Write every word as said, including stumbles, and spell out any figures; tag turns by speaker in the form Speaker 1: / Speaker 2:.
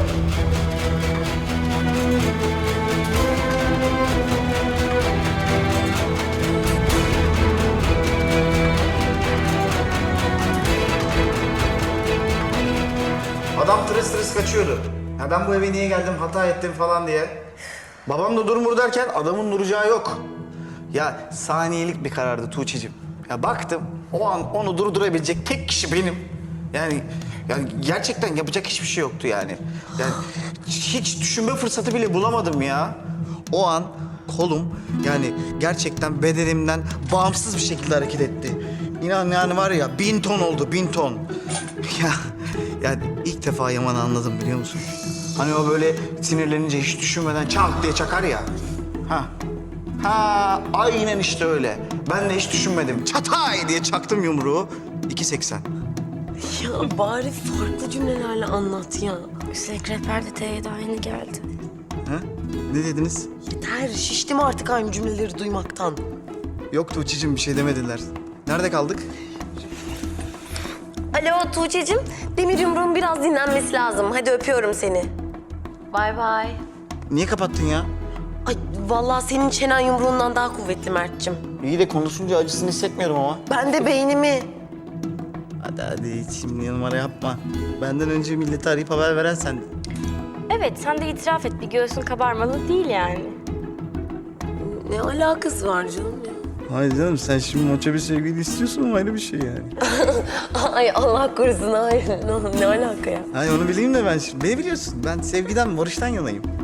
Speaker 1: Adam tırıs tırıs kaçıyordu. Ya ben bu eve niye geldim, hata ettim falan diye. Babam da durmur derken adamın duracağı yok. Ya saniyelik bir karardı Tuğçe'cim. Ya baktım o an onu durdurabilecek tek kişi benim. Yani yani gerçekten yapacak hiçbir şey yoktu yani. Yani hiç düşünme fırsatı bile bulamadım ya. O an kolum yani gerçekten bedenimden bağımsız bir şekilde hareket etti. İnan yani var ya bin ton oldu, bin ton. Ya yani ilk defa Yaman'ı anladım biliyor musun? Hani o böyle sinirlenince hiç düşünmeden çank diye çakar ya. Ha. Ha aynen işte öyle. Ben de hiç düşünmedim. Çatay diye çaktım yumruğu. iki seksen.
Speaker 2: Ya bari farklı cümlelerle anlat ya.
Speaker 3: Üstelik rehber de T'ye daha yeni geldi.
Speaker 1: Ha? Ne dediniz?
Speaker 2: Yeter, şiştim artık aynı cümleleri duymaktan.
Speaker 1: Yok Tuğçe'cim bir şey demediler. Nerede kaldık?
Speaker 2: Alo Tuğçe'cim, demir yumruğun biraz dinlenmesi lazım. Hadi öpüyorum seni.
Speaker 3: Bay bay.
Speaker 1: Niye kapattın ya?
Speaker 2: Ay vallahi senin çenen yumruğundan daha kuvvetli Mert'cim.
Speaker 1: İyi de konuşunca acısını hissetmiyorum ama.
Speaker 2: Ben de beynimi.
Speaker 1: Hadi hadi şimdi numara yapma. Benden önce milleti arayıp haber veren sendin.
Speaker 3: Evet, sen de itiraf et. Bir göğsün kabarmalı değil yani.
Speaker 2: Ne alakası var canım ya?
Speaker 1: Hayır canım sen şimdi maça bir sevgili istiyorsun ama ayrı bir şey yani.
Speaker 2: Ay Allah korusun, hayır. Ne, ne alaka ya?
Speaker 1: Hayır onu bileyim de ben şimdi. Beni biliyorsun ben sevgiden, barıştan yanayım.